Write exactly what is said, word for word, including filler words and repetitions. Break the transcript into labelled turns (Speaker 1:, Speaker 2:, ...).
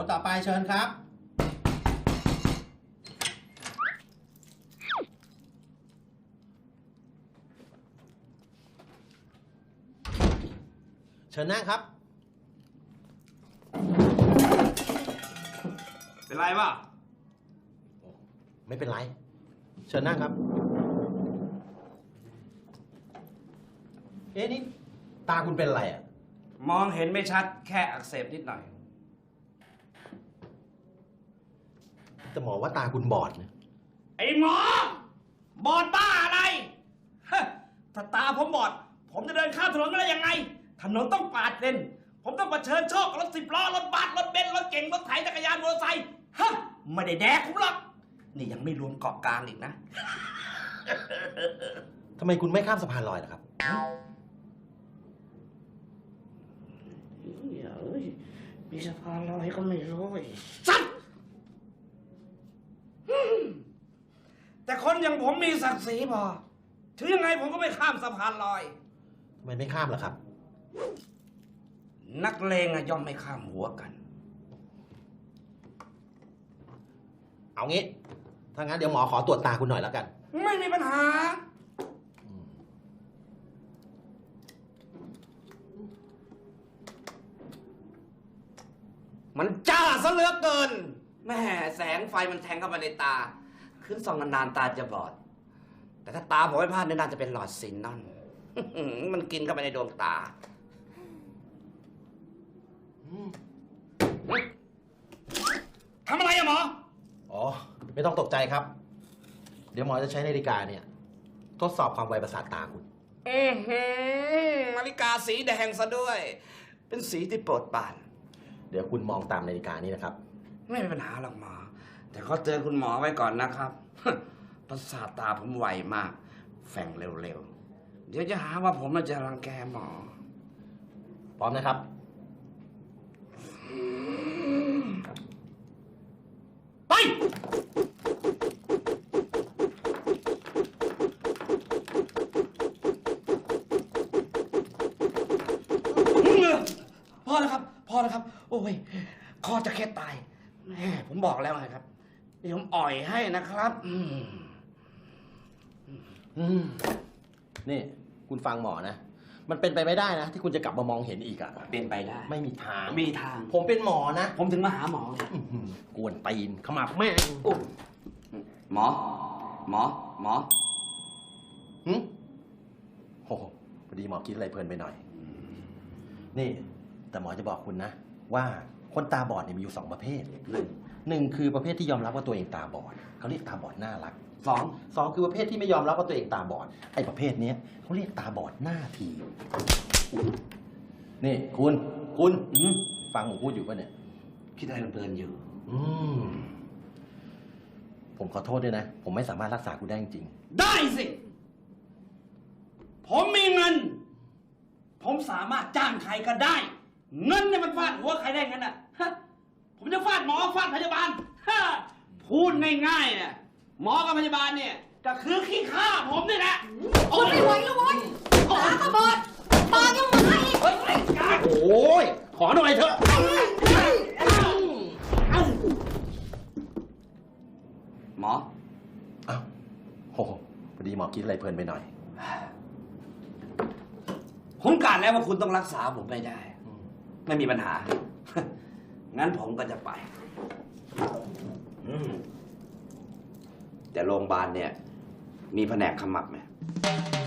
Speaker 1: คนต่อไปเชิญครับเชิญนั่งครับ
Speaker 2: เป็นไรป่ะ
Speaker 1: ไม่เป็นไรเชิญนั่งครับเอ๊ะนี่ตาคุณเป็นอะไรอ่ะ
Speaker 2: มองเห็นไม่ชัดแค่อักเสบนิดหน่อย
Speaker 1: แต่หมอว่าตาคุณบอดนะ
Speaker 2: ไอ้หมอบอดบ้าอะไรถ้าตาผมบอดผมจะเดินข้ามถนนได้ยังไงถนนต้องปาดเลนผมต้องเผชิญโชครถสิบล้อรถบัสรถเบนซ์รถเก๋งรถไถจักรยานมอเตอร์ไซค์ฮะไม่ได้แดกผมหรอกนี่ยังไม่รวมเกาะกลางอีกนะ
Speaker 1: ทำไมคุณไม่ข้ามสะพานลอยล่ะครับ
Speaker 2: มีสะพานลอยก็ไม่รู้สัตว์แต่คนอย่างผมมีศักดิ์ศรีพอถึงยังไงผมก็ไม่ข้ามสะพานลอย
Speaker 1: ทำไมไม่ข้ามล่ะครับ
Speaker 2: นักเลงอะย่อมไม่ข้ามหัวกัน
Speaker 1: เอางี้ถ้างั้นเดี๋ยวหมอขอตรวจตาคุณหน่อยแล้วกัน
Speaker 2: ไม่มีปัญหามันจ้าซะเหลือเกินแม่แสงไฟมันแทงเข้ามาในตาขึ้นส่องนานๆตาจะบอดแต่ถ้าตาผมไม่พลาดเนี่ยน่าจะเป็นหลอดซินนอนมันกินเข้าไปในดวงตาทำอะไรอะหมอ
Speaker 1: อ๋อไม่ต้องตกใจครับเดี๋ยวหมอจะใช้นาฬิกาเนี่ยทดสอบความไวประสาทตาคุณ
Speaker 2: อือหือนาฬิกาสีแดงซะด้วยเป็นสีที่โปรดปราน
Speaker 1: เดี๋ยวคุณมองตามนาฬิกานี้นะครับ
Speaker 2: ไม่มีปัญหาหรอกหมอแต่ก็เตือนคุณหมอไว้ก่อนนะครับประสาทตาผมไวมากแฝงเร็วๆเดี๋ยวจะหาว่าผมจะรังแกหมอ
Speaker 1: พร้อมนะครับ
Speaker 2: ไปพอแล้วครับพอแล้วครับโอ้ยคอจะแค่ตายแม่ผมบอกแล้วไงครับเดี๋ยวผมอ่อยให้นะครับอืม
Speaker 1: อืมนี่คุณฟังหมอนะมันเป็นไปไม่ได้นะที่คุณจะกลับมามองเห็นอีกอะ
Speaker 2: เป็นไปได้
Speaker 1: ไม่มีทาง
Speaker 2: มีทาง
Speaker 1: ผมเป็นหมอนะ
Speaker 2: ผมถึงมาหาหมอ
Speaker 1: กวนตีนขมับแม่
Speaker 2: หมอหมอหมอ
Speaker 1: หืมโอ้พอดีหมอคิดอะไรเพลินไปหน่อยนี่แต่หมอจะบอกคุณนะว่าคนตาบอดเนี่ยมีอยู่สองประเภทหนึ่งหนึ่งคือประเภทที่ยอมรับว่าตัวเองตาบอดเขาเรียกตาบอดน่ารัก
Speaker 2: สอง
Speaker 1: สองคือประเภทที่ไม่ยอมรับว่าตัวเองตาบอดไอ้ประเภทนี้เขาเรียกตาบอดหน้าทีนี่คุณคุณฟังผมพูดอยู่ป่ะเนี่ย
Speaker 2: คิดอะไรเพลินอยู่
Speaker 1: อืมผมขอโทษด้วยนะผมไม่สามารถรักษาคุณได้จริง
Speaker 2: ได้สิผมมีเงินผมสามารถจ้างใครก็ได้เงินเนี่ยมันฟาดหัวใครได้งั้นอ่ะผมจะฟาดหมอฟาดพยาบาลพูดง่ายๆเนี่ยหมอกับพยาบาลเนี่ยก็คือขี้ข้าผมนี่แหละ
Speaker 3: โอ้ยไม่ไหวแล้วเว้ยตาก็บอดปากยังหมาอีก
Speaker 1: โอ้ยขอหน่อยเถอะ
Speaker 2: หมอ
Speaker 1: อ้าวโหพอดีหมอคิดอะไรเพลินไปหน่อย
Speaker 2: ผมกะแล้วว่าคุณต้องรักษาผมไม่ได้ไม่มีปัญหางั้นผมก็จะไปแต่โรงพยาบาลเนี่ยมีแผนกขมับไหม